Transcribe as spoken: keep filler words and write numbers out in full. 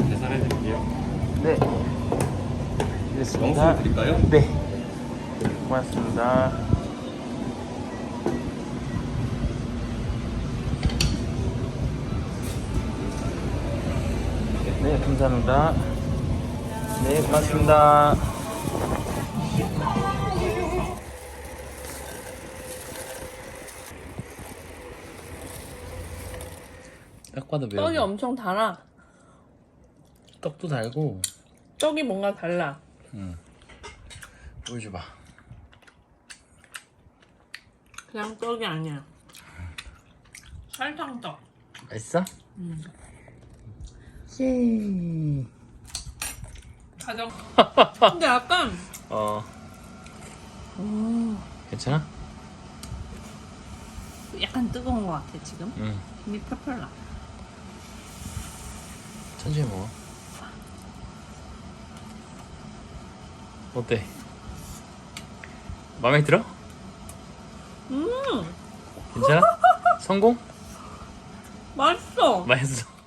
계산해 드릴게요. 네. 됐습니다. 영수 드릴까요? 네. 고맙습니다. 네, 감사합니다. 네, 고맙습니다. 딱 봐도 매워. 떡이 엄청 달아. 떡도 달고. 떡이 뭔가 달라. 응. 보여줘봐. 그냥 떡이 아니야. 설탕떡. 맛있어? 음. 예. 가정. 근데 약간 어. 오, 괜찮아? 약간 뜨거운 것 같아 지금. 응. 힘이 펄펄 나. 천천히 먹어. 어때? 마음에 들어? 음, 괜찮아? 성공? 맛있어. 맛있어.